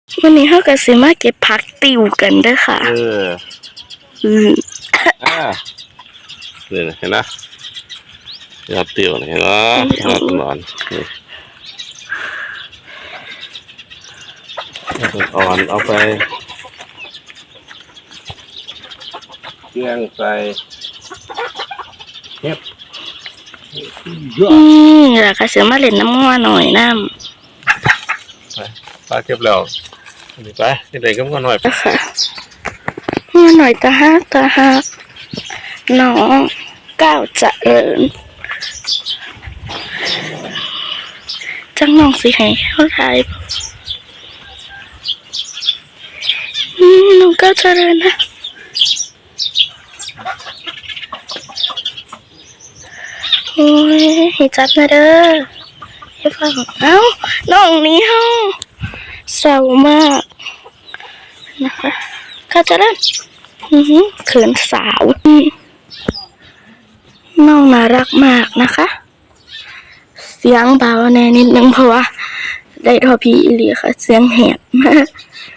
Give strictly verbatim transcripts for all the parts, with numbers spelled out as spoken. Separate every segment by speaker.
Speaker 1: วันนี้เขาก็สิมาเก็บผักติวกันเด้อค่ะเอออืมอ่า
Speaker 2: นี่เห็นไหมผักติวเห็นไหมน่าสนอนอ่อนเอาไปเลี้ยงใส่เก็บ
Speaker 1: อืมแล้วก็เสือมาเล่นน้ำงัวหน่อยน้ำ
Speaker 2: ไปปลาเก็บแล้วไปเด็กก็งัวหน่อย
Speaker 1: ค่ะงัวหน่อยตาฮักตาฮักน้องก้าวเจริญจังน้องสิให้เท่าไรอืมน้องก้าวเจริญนะโอ้ยให้จับนะเด้อให้ฟังเอ้าน้องนี้เฮาเศร้ามากนะคะก้าวเจริญอือหือเขินสาวน้องน่ารักมากนะคะเสียงเบาแน่นิดนึงเพราะว่าได้ทอพีอีหลีค่ะเสียงแหบมาก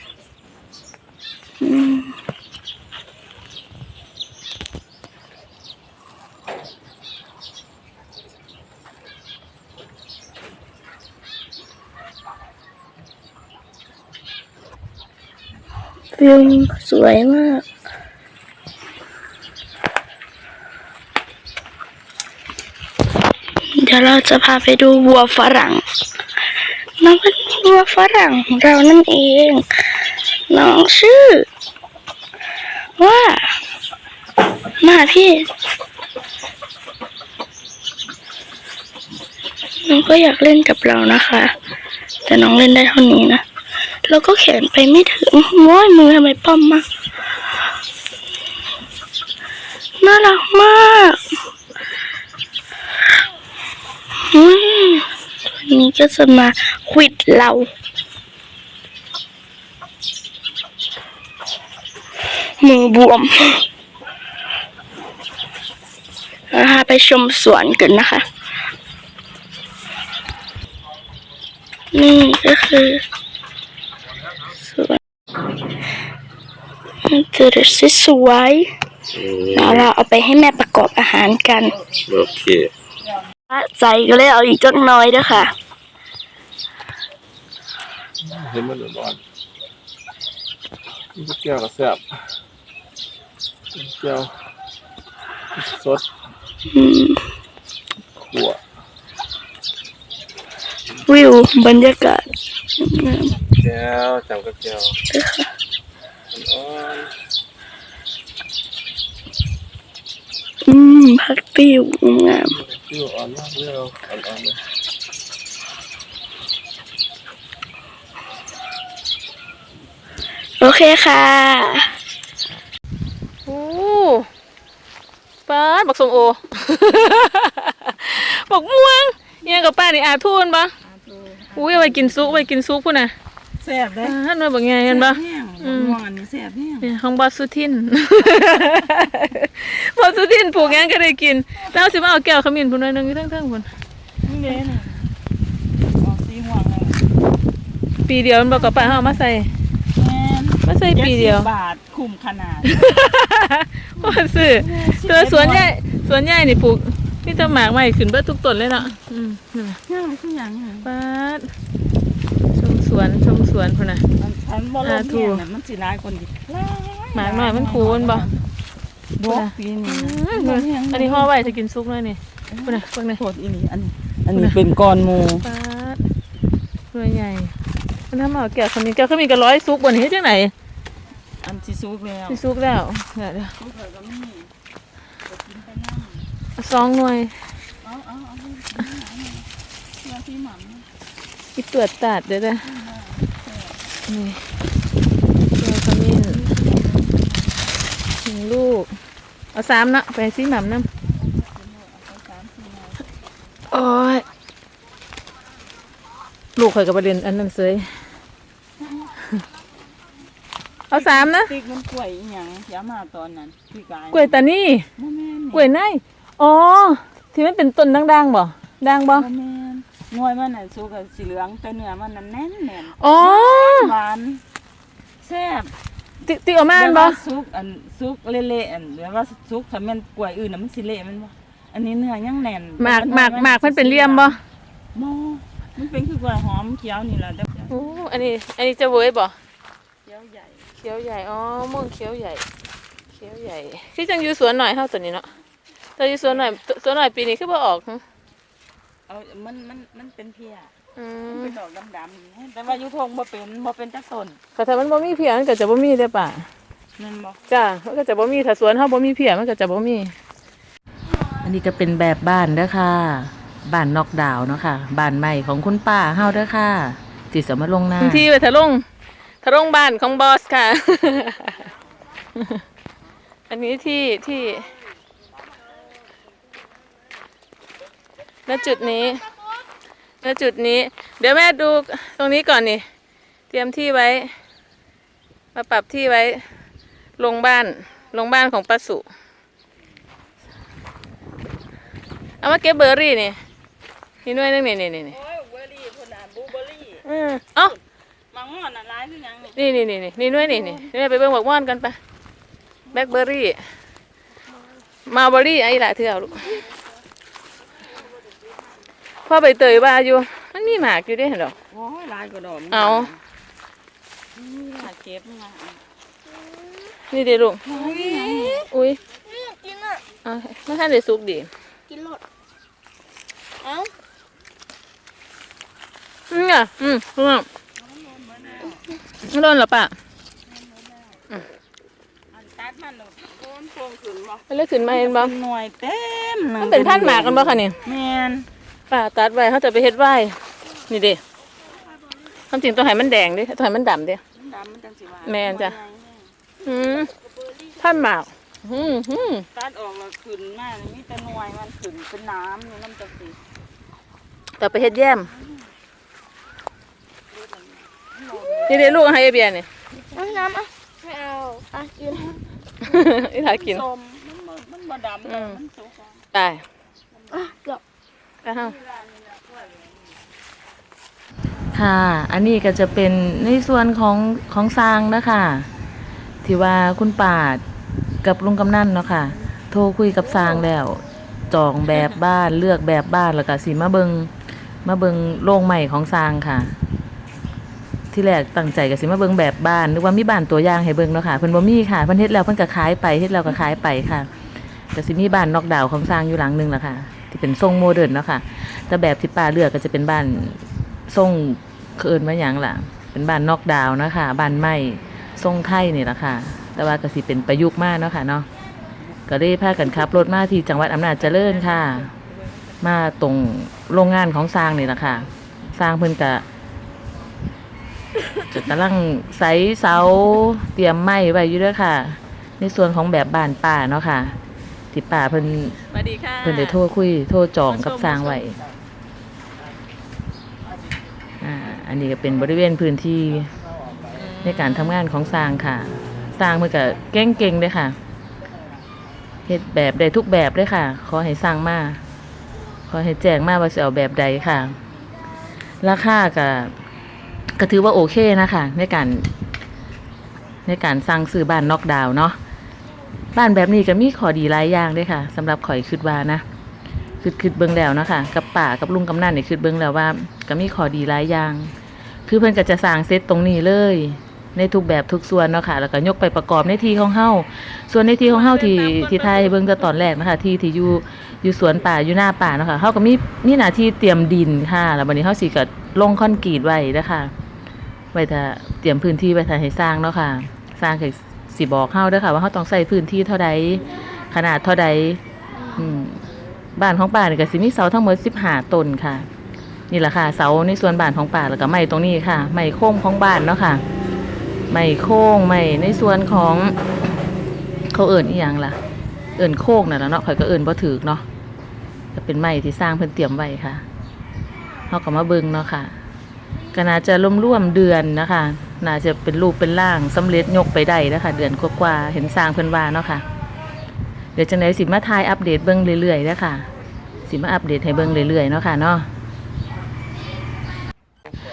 Speaker 1: วิวสวยมากเดี๋ยวเราจะพาไปดูวัวฝรั่งน้องเป็นวัวฝรั่งของเรานั่นเองน้องชื่อว่ามาพี่น้องก็อยากเล่นกับเรานะคะแต่น้องเล่นได้เท่านี้นะเราก็แขนไปไม่ถึงม้อยมือทำไมป้อมมากน่ารักมากตัวนี้ก็จะมาควิดเรามือบวมนะคะไปชมสวนกันนะคะนี่ก็คือสวนจะได้สวยๆแล้วเราเอาไปให้แม่ประกอบอาหารกัน
Speaker 2: โอเค
Speaker 1: ใจก็เลยเอาอีกจักน้อยด้วยค่ะ
Speaker 2: เห็นมันร้อนนี่เกี่ยวกับแซ่บเกี่ยวสดขั่ว
Speaker 1: วิวบรรยากาศ
Speaker 2: แก้วจำกับแก้ว
Speaker 1: อืมผักติ้วงาม
Speaker 2: ติ้วอ่อนมากเลยอ่อนๆเลย
Speaker 1: โอเคค่ะ
Speaker 3: โอ้ป้าบักสมโอบักม่วงยังกับป้านี่อาทูนปะอุ้ยเอาไปกินซุปไปกินซุปพุ่นน่ะ
Speaker 4: แซ่บเลย
Speaker 3: ท่านมาบอกไงกันปะ
Speaker 4: ม่วงอันนี้แซ่บ
Speaker 3: เนี่ยของบอสสุทินบอสสุทินปลูกงั้นก็ได้กินแล้วสิมาเอาแก้วขมิ้นพุ่นหน่อยนึงทั้งทั้งพุ่น
Speaker 4: นี่เด้น่ะออกสีม่วงเลย
Speaker 3: ปีเดียวมันบอกกับป้าเอามาใส่มาใส่ปีเดียว
Speaker 4: บาทคุ้มขนาด
Speaker 3: ว่าซื้อตัวสวนใหญ่สวนใหญ่นี่ปลูกนี่จะหมากใหม่ขึ้นเบิดทุกต้นเลยเนาะอืมนี่
Speaker 4: ง่ายคืออย่างไง
Speaker 3: ป้าชมสวนชมสวนพุ่นน่ะ
Speaker 4: ฉันบ่ลงเนี่ยมันสิร้ายคนดิ
Speaker 3: หมากหน่อยมันคูนบ่
Speaker 4: บ่ปีนี้
Speaker 3: อันนี้ห่อไว้จะกินซุปเลยนี่พุ่นน่ะพุ่นน่ะ
Speaker 4: โคตรอีนี่อันอันนี้เป็นก้อนหมู
Speaker 3: ป้าตัวใหญ่มันทำเอาแก้วคนนี้แก้วเขามีกระร้อยซุปบนนี้ที่ไหน
Speaker 4: อันที่ซุปแล้ว
Speaker 3: ที่ซุปแล้วเดี๋ยวเดี๋ยวซองหน่วยอีเปลือกตัดเดี๋ยวเดี๋ยวนี่ตัวขมิ้นหนึ่งลูกเอาสามนะไปซีหม่ำน้ำโอ้ยลูกเคยกับประเด็นอันนั้นเสยเอาสามนะ
Speaker 4: ติ๊กมันกล้วยอย่างย้ำมาตอนนั้น
Speaker 3: กล้วยตานี่กล้วยไนอ๋อที่มันเป็นต้นด่างๆบ่ด่างบ่
Speaker 4: งวยมันน่ะสุกกับสีเหลืองแต่เนื้อมันนั่นแน่นแน่น
Speaker 3: อ๋อ
Speaker 4: หวาน
Speaker 3: ติติออกมา
Speaker 4: แบบ
Speaker 3: บ่
Speaker 4: ว่าซุกอันซุกเละๆอันแบบว่าซุกถ้าแม่นกล้วยอื่นน่ะมันสิเละแมันบ่อันนี้เนื้อยังแน่น
Speaker 3: หมากหมากหมากมันเป็นเหลี่ยมบ่
Speaker 4: บ่มันเป็นคือกล้วยหอมเขียวนี่ล่ะแต่
Speaker 3: โอ้อันนี้ อันนี้จะเว้ยบ่
Speaker 4: เขียวใหญ่
Speaker 3: เขียวใหญ่อ๋อม่วงเขียวใหญ่เขียวใหญ่คือจังอยู่สวนหน่อยเฮาตัวนี้เนาะแต่อยู่สวนหน่อยสวนหน่อยปีนี้คือบ่ออกหึ
Speaker 4: เอามันมันมันเป็นเพีย
Speaker 3: อื
Speaker 4: มัน
Speaker 3: ม
Speaker 4: เป็นดอกดำๆแต่ว่าอยู่ทงบ่เป็นบ่เป็นจักต้น
Speaker 3: ค่ะถ้ามันบ่มีเพียมันก็จะบ่มีเด้อป่า
Speaker 4: แม่นบ่
Speaker 3: จ้ามันก็จะบ่มีถ้าสวนเฮาบ่มีเพียมันก็จะบ่มี
Speaker 5: อันนี้ก็เป็นแบบบ้านเด้อค่ะบ้านนอกดาวน์เนาะค่ะบ้านใหม่ของคุณป้าเฮาเด้อค่ะสิสมาลงหน้า
Speaker 3: พื้นที่ไว้ทะลงทะลงบ้านของบอสค่ะ อันนี้ที่ที่ณจุดนี้ณจุดนี้ เดี๋ยวแม่ดูตรงนี้ก่อนนี่เตรียมที่ไว้ มาปรับที่ไว้ ลงบ้านลงบ้านของป้าสุเอามาเก็บเบอร์รี่นี่นี่หน่วยนึงนี่นี่นี่นี่
Speaker 4: โอ้ยเบอร์รี่พุ่นน่ะบลูเบอร์รี่
Speaker 3: อือเอ้า
Speaker 4: มังม่อนน่ะหลายคือหยังนี่
Speaker 3: นี่นี่นี่นี่นี่หน่วยนี่นี่นี่ไปเบิ่งบักม่อนกันไปแบล็คเบอร์รี่มาเบอร์รี่ไอ้หลายเถื่อลูกพ่อใบเตยว่าอยู่มันมีหมากอยู่เด้วยเหรอ
Speaker 4: โอ้ยหลายกว่าดอกมัน
Speaker 3: เอา
Speaker 4: นี่ล่ะเก็บมา
Speaker 3: นี่เดี๋ยวลูก
Speaker 4: โอ้ยหยังนี่
Speaker 3: อุ้ย
Speaker 1: กินอ่ะ
Speaker 3: เอาไม่ทันได้สุกดี
Speaker 1: กินหลดเอ้า
Speaker 3: อืมอ่ะอืมอืมไม่โดนเหรอป่ะ
Speaker 4: อันตัดมันน่ะโอ้มันโป่งขึ้นบ่
Speaker 3: มันเลยขึ้นมาเห็นบ่
Speaker 4: เป็นหน่วยเต็มหง
Speaker 3: มันเป็นพันธุ์หมากกันบ่คะนี่
Speaker 4: แม่น
Speaker 3: ป่าตัดไว้เขาจะไปเฮ็ดไว้นี่เด้ความจริงต้องให้มันแดงดิต้องให้มันดำดิ
Speaker 4: มันดำมันจังสิว่า
Speaker 3: แม่นจ้ะ อืมพันธุ์หมากอืมอืม
Speaker 4: ตัดออกแล้วขึ้นมานี่มีแต่หน่วยมันขึ้นเป็นน้ำอยู่น้ำจังสิ
Speaker 3: ต่อไปเฮ็ดแย้มนี่เดี๋ยวลูกให้ไอเบียร์นี่
Speaker 1: น้ำน้ำอ่ะไม่เอาอ่ะกิน
Speaker 3: อีหลากิน
Speaker 4: ส้มมันบ่มันบ่ดำ
Speaker 3: อืม
Speaker 4: มันสุกอะ
Speaker 3: ตาย
Speaker 1: อ่ะเดี๋ยว
Speaker 3: ไปเฮา
Speaker 5: ค่ะ อันนี้ก็จะเป็นในส่วนของของสร้างนะคะที่ว่าคุณป้ากับลุงกำนันเนาะค่ะโทรคุยกับสร้างแล้วจองแบบบ้านเลือกแบบบ้านแล้วก็สิมาเบิงมาเบิงโรงใหม่ของสร้างค่ะ ที่แรกตั้งใจก็สิมาเบิงแบบบ้านนึกว่ามีบ้านตัวอย่างให้เบิงเนาะค่ะเพิ่นบ่มีค่ะเพิ่นเฮ็ดแล้วเพิ่นก็ขายไปเฮ็ดแล้วก็ขายไปค่ะก็สิมีบ้านนอกดาวน์ของสร้างอยู่หลังหนึงล่ะค่ะที่เป็นทรงโมเดิร์นเนาะค่ะแต่แบบที่ป้าเลือกก็จะเป็นบ้านทรงเอิ้นว่าหยังล่ะเป็นบ้านนอกดาวน์นะคะบ้านไม้ทรงไทยนี่ล่ะค่ะแต่ว่าก็สิเป็นประยุกต์มากเนาะค่ะเนาะก็ได้พากันขับรถมาที่จังหวัดอำนาจเจริญค่ะ มาตรงโรงงานของสร้างนี่ล่ะค่ะสร้างเพิ่นก็ จะกำลังใส่เสาเตรียมไม้ไว้อยู่เด้วยค่ะ ในส่วนของแบบบ้านป่าเนาะค่ะที่ป่าเพิ่น
Speaker 3: สวัสดีค่ะ
Speaker 5: เพิ่นได้โทรคุยโทรจองกับสร้างไว้อ่าอันนี้ก็เป็นบริเวณพื้นที่ในการทำงานของสร้างค่ะ สร้างเพิ่นก็เก่งๆเด้อค่ะเฮ็ดแบบได้ทุกแบบเลยค่ะ ขอให้สร้างมาขอให้แจ้งมาว่าสิเอาแบบใดค่ะ ราคาก็ก็ถือว่าโอเคนะคะในการในการสร้างซื้อบ้านนอกดาวน์เนาะบ้านแบบนี้ก็มีข้อดีหลายอย่างเด้ค่ะสำหรับข่อยคิดว่านะคือคิดเบิ่งแล้วเนาะค่ะกับป้ากับลุงกำนันนี่คิดเบิ่งแล้วว่าก็มีข้อดีหลายอย่างคือเพิ่นก็จะสร้างเซตตรงนี้เลยในทุกแบบทุกส่วนเนาะค่ะแล้วก็ยกไปประกอบในที่ของเฮาส่วนในที่ของเฮาที่ที่ไทยเบิ่งแต่ตอนแรกนะคะที่ที่อยู่อยู่สวนป่าอยู่หน้าป่าเนาะค่ะเฮาก็มีมีหน้าที่เตรียมดินค่ะแล้วบัดนี้เฮาสิก็ลงคอนกรีตไว้เด้อค่ะไว้ถ้าเตรียมพื้นที่ไว้ถ้าให้สร้างเนาะค่ะสร้างให้สิบอกเฮาเด้อค่ะว่าเฮาต้องใช้พื้นที่เท่าใดขนาดเท่าใดอืมบ้านของป่านี่ก็สิมีเสาทั้งหมดสิบห้าต้นค่ะนี่แหละค่ะเสาในส่วนบ้านของป่าแล้วก็ไม้ตรงนี้ค่ะไม้โค้งของบ้านเนาะค่ะไม้โค้งไม้ในส่วนของเขาเอิ้นอีหยังล่ะเอิ้นโค้งนั่นล่ะเนาะข่อยก็เอิ้นบ่ถูกเนาะก็เป็นไม้ที่สร้างเพิ่นเตรียมไว้ค่ะเฮาก็มาเบิ่งเนาะค่ะก็น่าจะร่วมๆเดือนนะคะน่าจะเป็นรูปเป็นร่างสำเร็จยกไปได้นะคะเดือนกว่าๆเห็นสร้างเพิ่นว่าเนาะค่ะเดี๋ยวจังได๋สิมาถ่ายอัปเดตเบิ่งเรื่อยๆเด้อค่ะสิมาอัปเดตให้เบิ่งเรื่อยๆเนาะค่ะเนาะ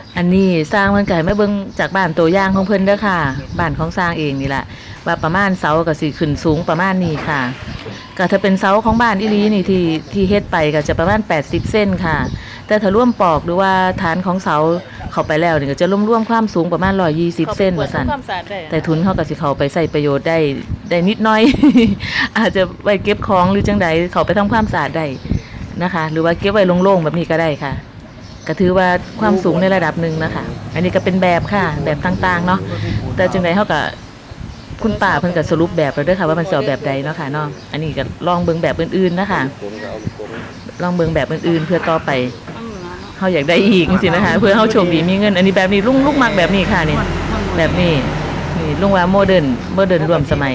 Speaker 5: อันนี้สร้างเพิ่นก็ให้มาเบิ่งจากบ้านตัวอย่างของเพิ่นเด้อค่ะบ้านของสร้างเองนี่แหละว่าประมาณเสาก็สิขึ้นสูงประมาณนี้ค่ะก็ถ้าเป็นเสาของบ้านอีหลีนี่ที่ที่เฮ็ดไปก็จะประมาณแปดสิบเซนค่ะแต่ถ้าร่วมปอกหรือว่าฐานของเสาเข้าไปแล้วนี่ก็จะรวมๆความสูงประมาณหนึ่งร้อยยี่สิบเซนว่าซั่นแต่ทุนเฮาก็สิเข้าไปใช้ประโยชน์ได้ได้นิดหน่อย อาจจะไว้เก็บของหรือจังใดเข้าไปทำความสะอาดได้นะคะหรือว่าเก็บไว้โล่งๆแบบนี้ก็ได้ค่ะก็ถือว่าความสูงในระดับหนึ่งนะคะ อันนี้ก็เป็นแบบค่ะแบบต่างๆเนาะแต่จังใดเฮาก็คุณป้าเพิ่นก็สรุปแบบแล้วเด้อค่ะว่ามันสิเอาแบบใดเนาะค่ะเนาะอันนี้ก็ลองเบิ่งแบบอื่นๆนะคะลองเบิ่งแบบอื่นๆเพื่อต่อไปเฮาอยากได้อีกจังซี่นะคะเพื่อเฮาโชคดีมีเงินอันนี้แบบนี้ลุงลูกมักแบบนี้ค่ะนี่แบบนี้นี่ลุงว่าโมเดิร์นโมเดิร์นรวมสมัย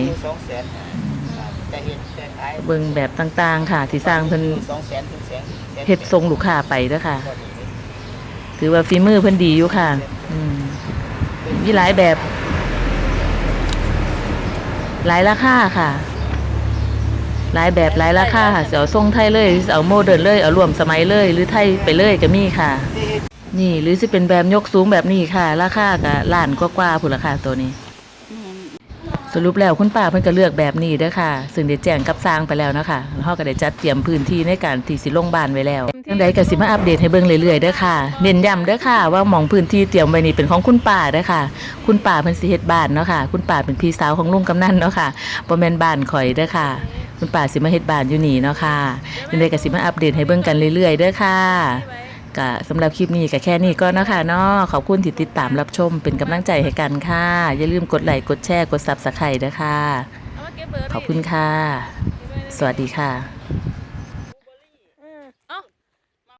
Speaker 5: เบิ่งแบบต่างๆค่ะที่สร้างเพิ่นเฮ็ดทรงลูกค้าไปเด้อค่ะถือว่าฝีมือเพิ่นดีอยู่ค่ะอืมมีหลายแบบหลายราคาค่ะหลายแบบหลายราคาค่ะสิเอาทรงไทยเลยสิเอาโมเดิร์นเลยเอารวมสมัยเลยหรือไทยไปเลยก็มีค่ะนี่หรือสิเป็นแบบยกสูงแบบนี้ค่ะราคาก็ล้านกว่าๆพุ่นราคาตัวนี้สรุปแล้วคุณป้าเพิ่นก็เลือกแบบนี้เด้อค่ะซึ่งได้แจ้งกับสร้างไปแล้วนะคะแล้วเฮาก็ได้จัดเตรียมพื้นที่ในการที่สิลงบ้านไว้แล้วจังใดก็สิมาอัปเดตให้เบิ่งเรื่อยๆเด้อค่ะเน้นย้ำเด้อค่ะว่าหม่องพื้นที่เตรียมไว้นี่เป็นของคุณป้าเด้อค่ะคุณป้าเพิ่นสิเฮ็ดบ้านเนาะค่ะคุณป้าเป็นพี่สาวของลุงกำนันเนาะค่ะบ่แม่นบ้านข่อยเด้อค่ะคุณป้าสิมาเฮ็ดบ้านอยู่นี่เนาะค่ะจังใดก็สิมาอัปเดตให้เบิ่งกันเรื่อยๆเด้อค่ะก็สำหรับคลิปนี้ก็แค่นี้ก็เนาะค่ะเนาะขอบคุณที่ติดตามรับชมเป็นกำลังใจให้กันค่ะอย่าลืมกดไลค์กดแชร์กด Subscribe ด้วยค่ะขอบคุณค่ะสวัสดีค่ะ